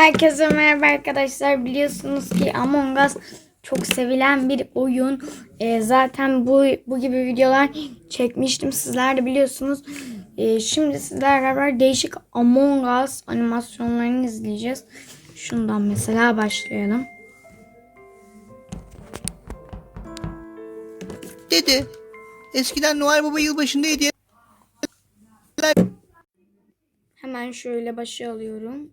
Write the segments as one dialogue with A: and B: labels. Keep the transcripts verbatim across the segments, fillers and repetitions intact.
A: Herkese merhaba arkadaşlar. Biliyorsunuz ki Among Us çok sevilen bir oyun. Ee, zaten bu bu gibi videolar çekmiştim. Sizler de biliyorsunuz. Ee, şimdi sizlerle beraber değişik Among Us animasyonlarını izleyeceğiz. Şundan mesela başlayalım.
B: Dede, eskiden Noel Baba yılbaşında hediye...
A: Hemen şöyle başa alıyorum.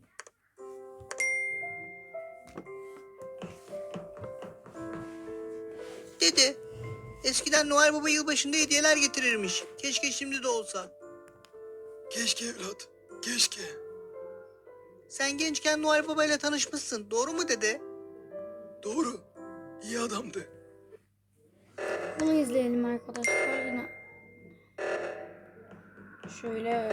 B: Dede, eskiden Noel Baba yılbaşında hediyeler getirirmiş. Keşke şimdi de olsa.
C: Keşke evlat, keşke.
B: Sen gençken Noel Baba ile tanışmışsın, doğru mu dede?
C: Doğru, iyi adamdı.
A: Bunu izleyelim arkadaşlar. Yine şöyle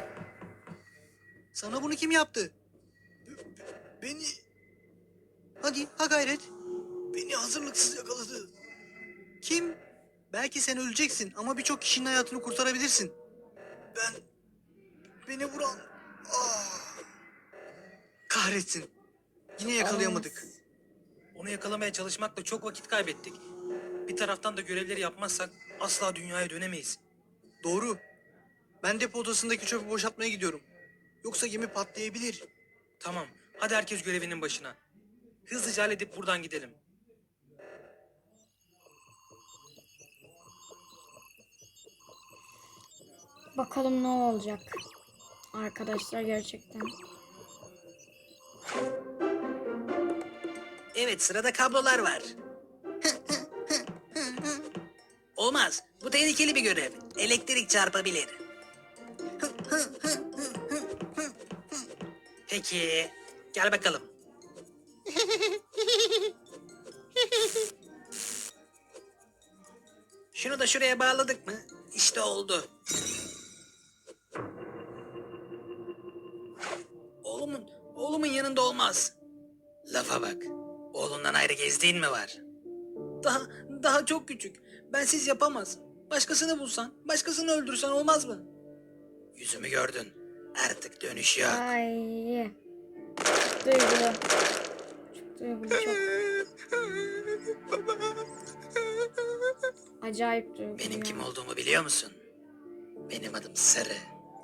B: Sana bunu kim yaptı?
C: Beni,
B: Hadi, ha gayret.
C: beni hazırlıksız yakaladı.
B: Kim? Belki sen öleceksin ama birçok kişinin hayatını kurtarabilirsin.
C: Ben, beni vuran... Ah,
B: Kahretsin. Yine yakalayamadık.
D: Onu yakalamaya çalışmakla çok vakit kaybettik. Bir taraftan da görevleri yapmazsak asla dünyaya dönemeyiz.
B: Doğru. Ben depo odasındaki çöpü boşaltmaya gidiyorum. Yoksa gemi patlayabilir.
D: Tamam, hadi herkes görevinin başına. Hızlıca halledip buradan gidelim.
A: bakalım ne olacak. Arkadaşlar gerçekten.
E: Evet, sırada kablolar var. Olmaz. Bu tehlikeli bir görev. Elektrik çarpabilir.
D: Peki, gel bakalım.
E: Şunu da şuraya bağladık mı? İşte oldu. Oğlumun, oğlumun yanında olmaz. Lafa bak. Oğlundan ayrı gezdiğin mi var?
D: Daha, daha çok küçük. Bensiz yapamaz. Başkasını bulsan, başkasını öldürsen olmaz mı?
E: Yüzümü gördün. Artık dönüş yok.
A: Ay. Çok duygulu. Çok duygulu çok. Acayip duygulu.
E: Benim kim
A: ya.
E: olduğumu biliyor musun? Benim adım Sarı.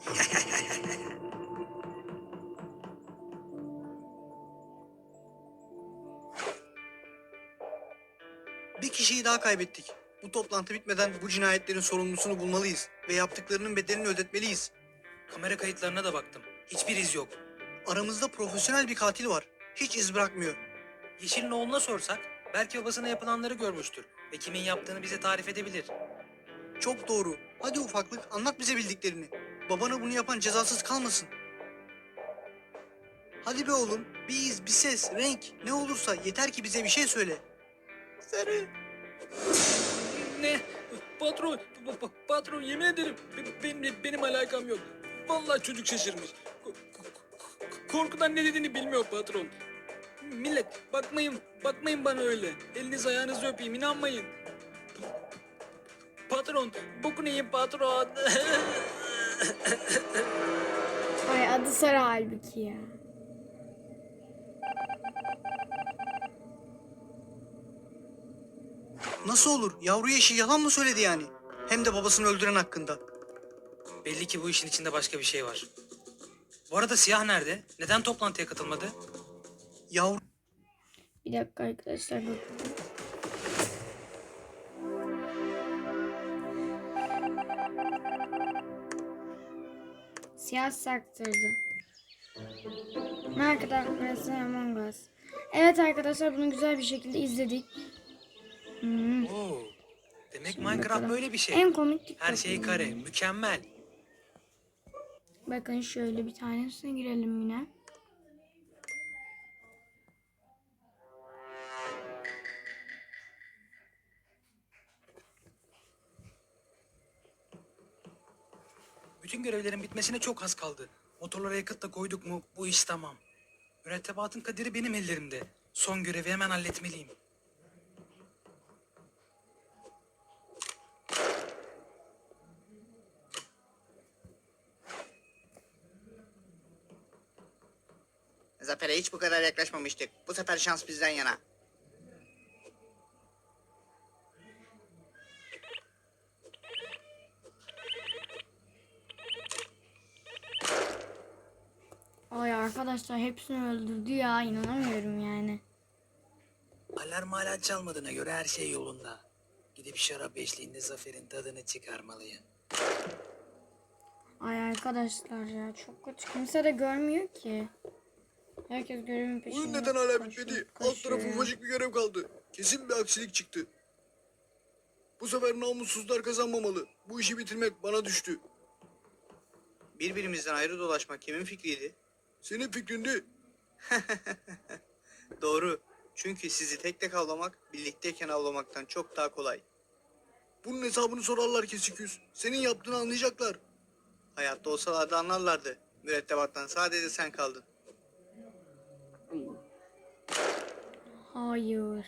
B: Bir kişiyi daha kaybettik. Bu toplantı bitmeden bu cinayetlerin sorumlusunu bulmalıyız ve yaptıklarının bedelini ödetmeliyiz.
D: Kamera kayıtlarına da baktım. Hiçbir iz yok.
B: Aramızda profesyonel bir katil var. Hiç iz bırakmıyor.
D: Yeşil'in oğluna sorsak belki babasına yapılanları görmüştür ve kimin yaptığını bize tarif edebilir.
B: Çok doğru. Hadi ufaklık anlat bize bildiklerini. Babana bunu yapan cezasız kalmasın. Hadi be oğlum. Bir iz, bir ses, renk ne olursa yeter ki bize bir şey söyle. Sarı.
D: Ne? Patron, pa- pa- patron yemin ederim be- benim, benim alakam yok. Vallahi çocuk şaşırmış. Ko- ko- Korkudan ne dediğini bilmiyor patron. Millet bakmayın, bakmayın bana öyle. Eliniz ayağınızı öpeyim, inanmayın. Patron, bokunu yiyin patron.
A: Ay adı Sarı halbuki ya.
B: Nasıl olur? Yavru yeşil yalan mı söyledi yani? Hem de babasını öldüren hakkında.
D: Belli ki bu işin içinde başka bir şey var. Bu arada Siyah nerede? Neden toplantıya katılmadı?
B: Yavru
A: Bir dakika arkadaşlar bakın. Siyah saktırdı. Arkadaşlar Among Us. Evet arkadaşlar bunu güzel bir şekilde izledik. Hmm.
D: Oo. Demek
A: Şimdi
D: Minecraft
A: bakalım.
D: böyle bir şey.
A: En komik TikTok
D: Her şey kare, mükemmel.
A: Bakın şöyle bir tanesine girelim yine.
D: Bütün görevlerin bitmesine çok az kaldı. Motorlara yakıt da koyduk mu bu iş tamam. Mürettebatın kaderi benim ellerimde. Son görevi hemen halletmeliyim.
B: Zafer'e hiç bu kadar yaklaşmamıştık. Bu sefer şans bizden yana.
A: Ay arkadaşlar hepsini öldürdü ya. İnanamıyorum yani.
E: Alarm hala çalmadığına göre her şey yolunda. Gidip şarap eşliğinde Zafer'in tadını çıkarmalıyım.
A: Ay arkadaşlar ya çok kötü. Kimse de görmüyor ki. Herkes görevin peşinde.
C: Oyun neden hala
A: koşuyor,
C: bitmedi? Alt
A: koşuyor.
C: tarafı ufacık bir görev kaldı. Kesin bir aksilik çıktı. Bu sefer namussuzlar kazanmamalı. Bu işi bitirmek bana düştü.
B: Birbirimizden ayrı dolaşmak kimin fikriydi?
C: Senin fikrindi.
B: Doğru. Çünkü sizi tek tek avlamak birlikteyken avlamaktan çok daha kolay.
C: Bunun hesabını sorarlar kesik yüz. Senin yaptığını anlayacaklar.
B: Hayatta olsalardı anlarlardı. Mürettebattan sadece sen kaldın.
A: Hayır.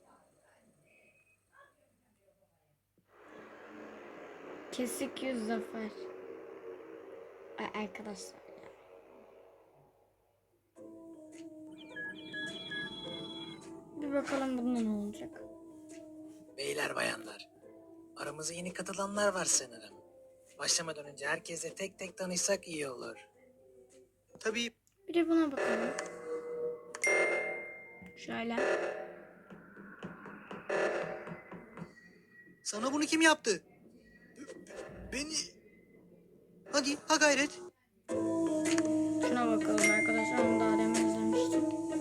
A: Kesik yüz zafer. Ay arkadaşlar ya. Bir bakalım bunda ne olacak.
E: Beyler bayanlar, aramıza yeni katılanlar var sanırım. Başlamadan önce herkesle tek tek tanışsak iyi olur.
B: Tabii
A: Bir de buna bakalım. Şöyle.
B: sana bunu kim yaptı?
C: Beni...
B: Hadi ha gayret.
A: Şuna bakalım arkadaşlar. Onu daha demin izlemiştik.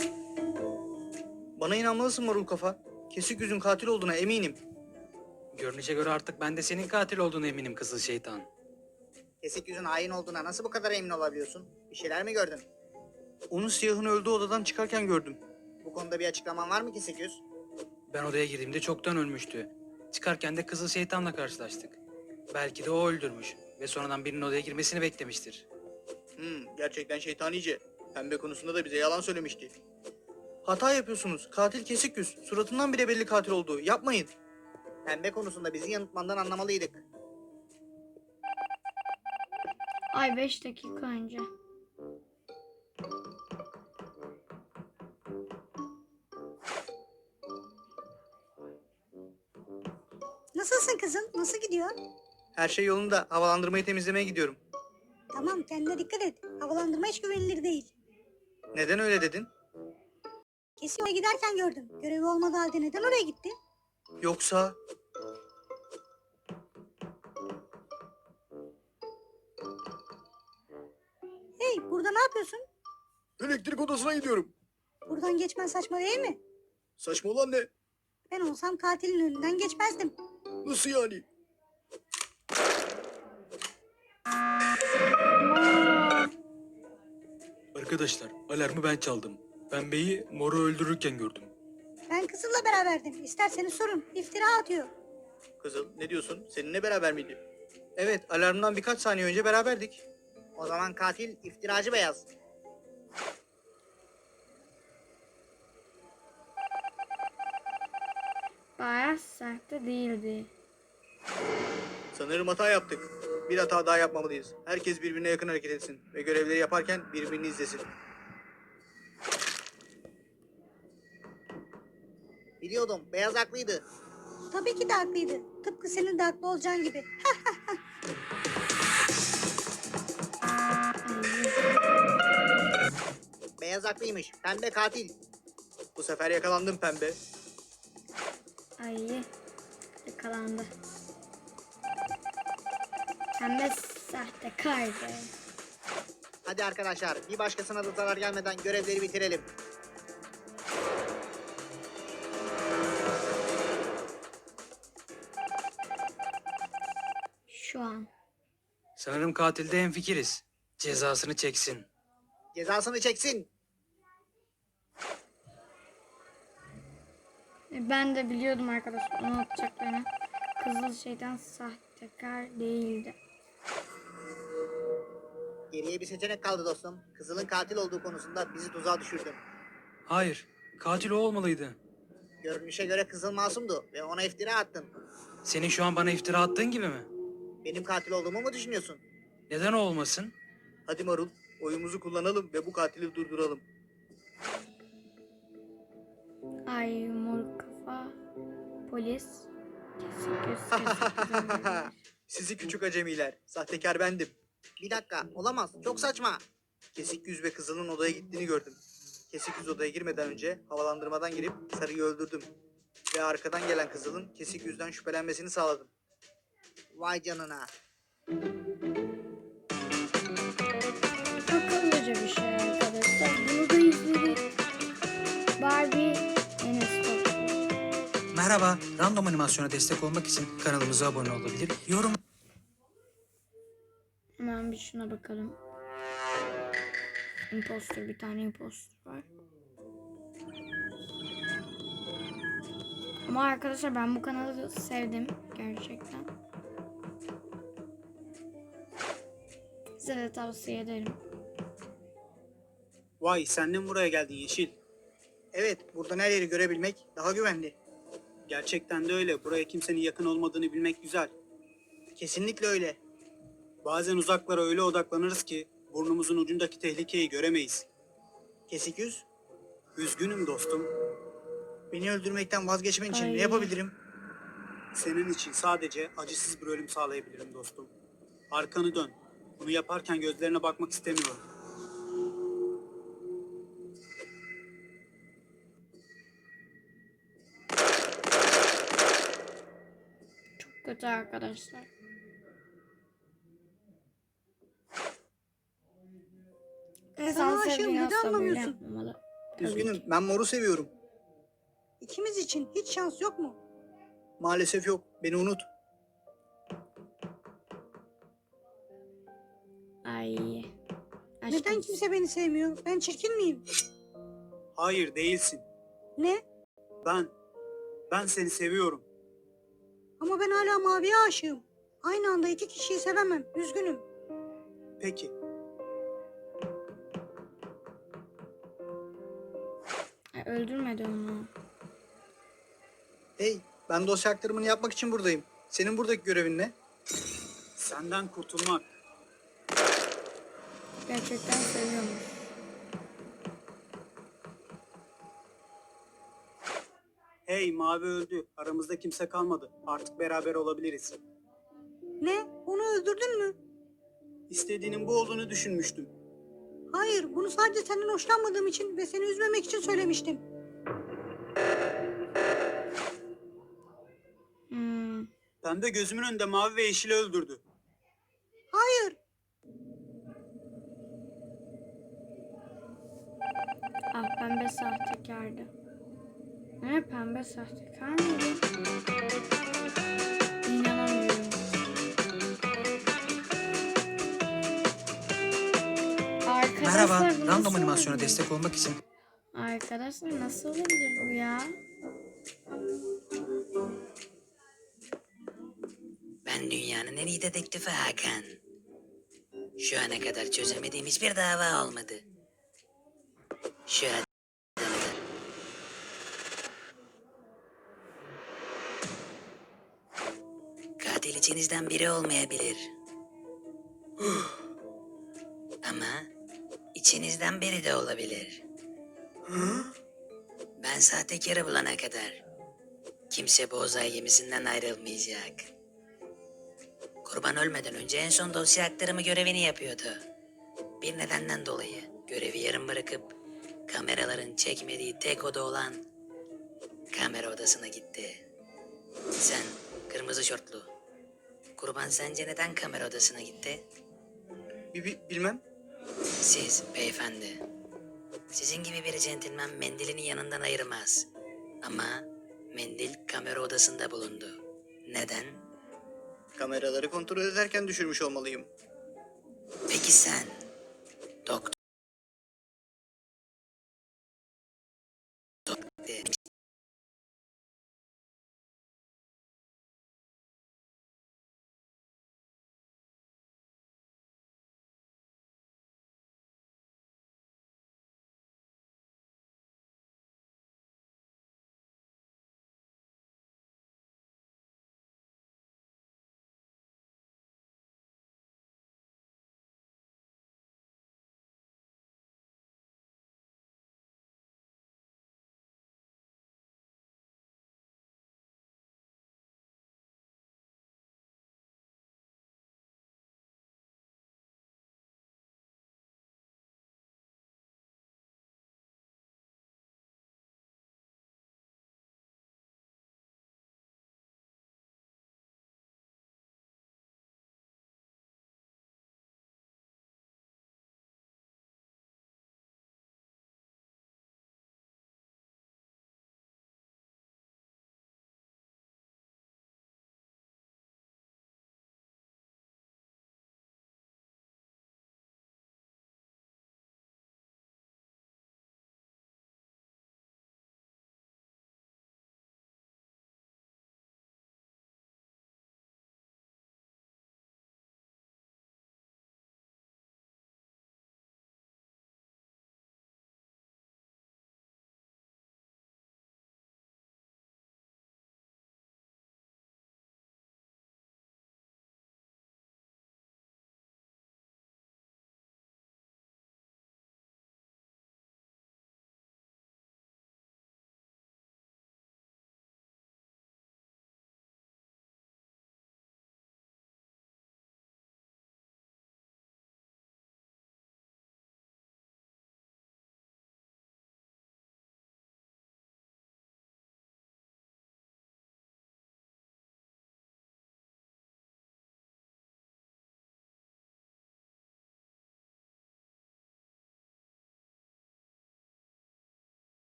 B: Bana inanmalısın marul kafa. Kesik yüzün katil olduğuna eminim.
E: Görünüşe göre artık ben de senin katil olduğuna eminim kızıl şeytan.
B: Kesik yüzün hain olduğuna nasıl bu kadar emin olabiliyorsun? Bir şeyler mi gördün? Onu siyahın öldüğü odadan çıkarken gördüm. Bu konuda bir açıklaman var mı Kesik yüz?
E: Ben odaya girdiğimde çoktan ölmüştü. Çıkarken de kızıl şeytanla karşılaştık. Belki de o öldürmüş ve sonradan birinin odaya girmesini beklemiştir.
B: Hmm, gerçekten şeytanice. Pembe konusunda da bize yalan söylemişti. Hata yapıyorsunuz. Katil Kesik yüz. Suratından bile belli katil olduğu. Yapmayın. Pembe konusunda bizi yanıltmandan anlamalıydık.
A: Ay beş dakika önce.
F: Nasılsın kızım? Nasıl gidiyor?
B: Her şey yolunda. Havalandırmayı temizlemeye gidiyorum.
F: Tamam, kendine dikkat et. Havalandırma hiç güvenilir değil.
B: Neden öyle dedin?
F: Kesin oraya giderken gördüm. Görevi olmadığı halde neden oraya gitti?
B: Yoksa...
F: Hey, burada ne yapıyorsun?
C: Elektrik odasına gidiyorum.
F: Buradan geçmen saçma değil mi?
C: Saçma olan ne?
F: Ben olsam katilin önünden geçmezdim.
C: Nasıl yani?
D: Arkadaşlar alarmı ben çaldım. Pembeyi moru öldürürken gördüm.
F: Ben kızılla beraberdim. İsterseniz sorun. İftira atıyor.
B: Kızıl ne diyorsun? Seninle beraber miydi? Evet, alarmdan birkaç saniye önce beraberdik. O zaman katil iftiracı beyaz.
A: Bayağı sert de değildi.
B: Sanırım hata yaptık. Bir hata daha yapmamalıyız. Herkes birbirine yakın hareket etsin ve görevleri yaparken birbirini izlesin. Biliyordum, beyaz haklıydı.
F: Tabii ki de haklıydı. Tıpkı senin de haklı olacağın gibi.
B: Beyaz haklıymış, pembe katil. Bu sefer yakalandım pembe.
A: Ay yakalandı. Pembe sahtekar be.
B: Hadi arkadaşlar, bir başkasına da zarar gelmeden görevleri bitirelim.
A: Şu an.
E: Sanırım katilde hemfikiriz. Cezasını çeksin.
B: Cezasını çeksin.
A: E, Ben de biliyordum arkadaşlar onu atacaklarını. Kızıl şeytan sahtekar değildi.
B: Geriye bir seçenek kaldı dostum. Kızıl'ın katil olduğu konusunda bizi tuzağa düşürdün.
E: Hayır, katil o olmalıydı.
B: Görünüşe göre Kızıl masumdu ve ona iftira attın.
E: Senin şu an bana iftira attığın gibi mi?
B: Benim katil olduğumu mu düşünüyorsun?
E: Neden o olmasın?
B: Hadi Marul, oyumuzu kullanalım ve bu katili durduralım.
A: Ay mor kafa. Polis. Kesik göz kesik göz.
B: Sizi küçük acemiler. Sahtekar bendim. Bir dakika, olamaz. Çok saçma. Kesik yüz ve kızılın odaya gittiğini gördüm. Kesik yüz odaya girmeden önce havalandırmadan girip sarıyı öldürdüm. Ve arkadan gelen kızılın kesik yüzden şüphelenmesini sağladım. Vay canına.
A: Akıllıca bir şey arkadaşlar. Bunu da izledik. Barbie Enes Batur.
E: Merhaba, random animasyona destek olmak için kanalımıza abone olabilir, yorum
A: Hemen bir şuna bakalım. Imposter, bir tane imposter var. Ama arkadaşlar ben bu kanalı sevdim gerçekten. Size de tavsiye ederim.
G: Vay sen de mi buraya geldin Yeşil?
B: Evet, buradan her yeri görebilmek daha güvenli.
G: Gerçekten de öyle. Buraya kimsenin yakın olmadığını bilmek güzel.
B: Kesinlikle öyle.
G: Bazen uzaklara öyle odaklanırız ki burnumuzun ucundaki tehlikeyi göremeyiz.
B: Kesik yüz,
G: Üzgünüm dostum.
B: beni öldürmekten vazgeçmen için
A: Ay.
B: ne yapabilirim?
G: Senin için sadece acısız bir ölüm sağlayabilirim dostum. Arkanı dön. Bunu yaparken gözlerine bakmak istemiyorum.
A: Çok kötü arkadaşlar. İnsan
F: Sana aşığım,
A: sevdiğini
F: neden
A: asla böyle
F: anlamıyorsun?
A: yapmamalı. Tabii
B: Üzgünüm,
A: ki.
B: ben moru seviyorum.
F: İkimiz için hiç şans yok mu?
B: Maalesef yok, beni unut.
A: Ay.
F: Neden
A: Aşkım.
F: kimse beni sevmiyor? Ben çirkin miyim?
G: Hayır değilsin.
F: Ne?
G: Ben, ben seni seviyorum.
F: Ama ben hala maviye aşığım. Aynı anda iki kişiyi sevemem. Üzgünüm.
G: Peki.
A: Ay, öldürmedi onu.
B: Hey, ben dosya aktarımını yapmak için buradayım. Senin buradaki görevin ne?
G: Senden kurtulmak.
A: Gerçekten seviyormuş.
G: Hey mavi öldü. Aramızda kimse kalmadı. Artık beraber olabiliriz.
F: Ne? Onu öldürdün mü?
G: İstediğinin bu olduğunu düşünmüştüm.
F: Hayır, bunu sadece senden hoşlanmadığım için ve seni üzmemek için söylemiştim.
A: Hmm.
G: Pembe gözümün önünde mavi ve yeşili öldürdü.
F: Hayır.
A: Ah, pembe sahtekardı. Ne, pembe sahtekar mıydı? İnanamıyorum. Arkadaşlar,
E: Merhaba,
A: bu
E: random
A: nasıl
E: animasyona
A: olabilir?
E: destek olmak için
A: Arkadaşlar nasıl olabilir bu ya?
H: Ben dünyanın en iyi dedektifi Hakan. Şu ana kadar çözemediğim hiçbir dava olmadı. Şu adamı da- Katil içinizden biri olmayabilir. Ama içinizden biri de olabilir. Ben sahtekarı bulana kadar kimse bu uzay gemisinden ayrılmayacak. Kurban ölmeden önce en son dosya aktarımı görevini yapıyordu. Bir nedenden dolayı görevi yarım bırakıp kameraların çekmediği tek oda olan kamera odasına gitti. Sen kırmızı şortlu. Kurban sence neden kamera odasına gitti?
B: Bi- bi- bilmem.
H: Siz beyefendi. Sizin gibi bir centilmen mendilini yanından ayırmaz. Ama mendil kamera odasında bulundu. Neden?
B: Kameraları kontrol ederken düşürmüş olmalıyım.
H: Peki sen doktor